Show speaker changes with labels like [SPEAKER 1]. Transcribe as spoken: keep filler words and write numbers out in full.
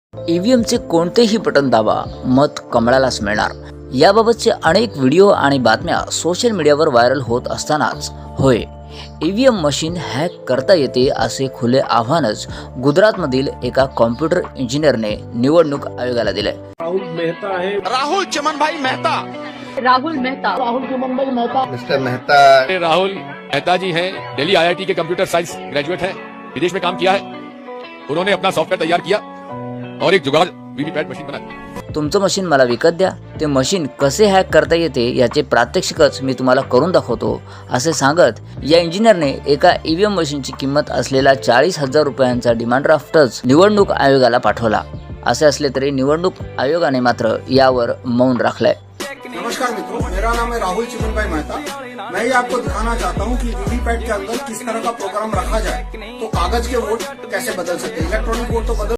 [SPEAKER 1] ईव्हीएमचे कोणतेही बटन दाबा, मत कमळालाच मिळणार. याबाबतचे अनेक व्हिडिओ आणि बातम्या सोशल मीडियावर व्हायरल होत असतानाच होय, ईव्हीएम मशीन हॅक करता येते असे खुले आव्हानच गुजरातमधील एका कॉम्प्युटर इंजिनियरने निवडणूक आयोगाला दिले.
[SPEAKER 2] राहुल मेहता है,
[SPEAKER 3] राहुल चमन भाई मेहता,
[SPEAKER 4] राहुल मेहता,
[SPEAKER 2] राहुल चमन भाई मेहता,
[SPEAKER 5] मिस्टर मेहता
[SPEAKER 6] राहुल मेहता जी हैं, दिल्ली आईआईटी के कंप्यूटर साइंस ग्रेजुएट हैं, विदेश में काम किया है. उन्होंने अपना सॉफ्टवेयर तैयार किया और एक जुगाड़ वीवीपैट मशीन बनाई.
[SPEAKER 1] तुमचं मशीन मला विकत द्या, ते मशीन कसे हॅक करता येते याचे प्रात्यक्षिकच मी तुम्हाला करून दाखवतो असे सांगत या इंजिनियरने एका ईव्हीएम मशीनची किंमत असलेला चाळीस हजार रुपयांचा डिमांड ड्राफ्टच निवडणूक आयोगाला पाठवला. असे असले तरी निवडणूक आयोगाने मात्र यावर मौन राखलंय.
[SPEAKER 7] नमस्कार मित्रों, मेरा नाम है राहुल चिमन भाई मेहता. मैं ये आपको दिखाना चाहता हूँ कि वीवीपैट के अंदर किस तरह का प्रोग्राम रखा जाए तो कागज के वोट कैसे बदल सकते हैं. इलेक्ट्रॉनिक वोट तो बदल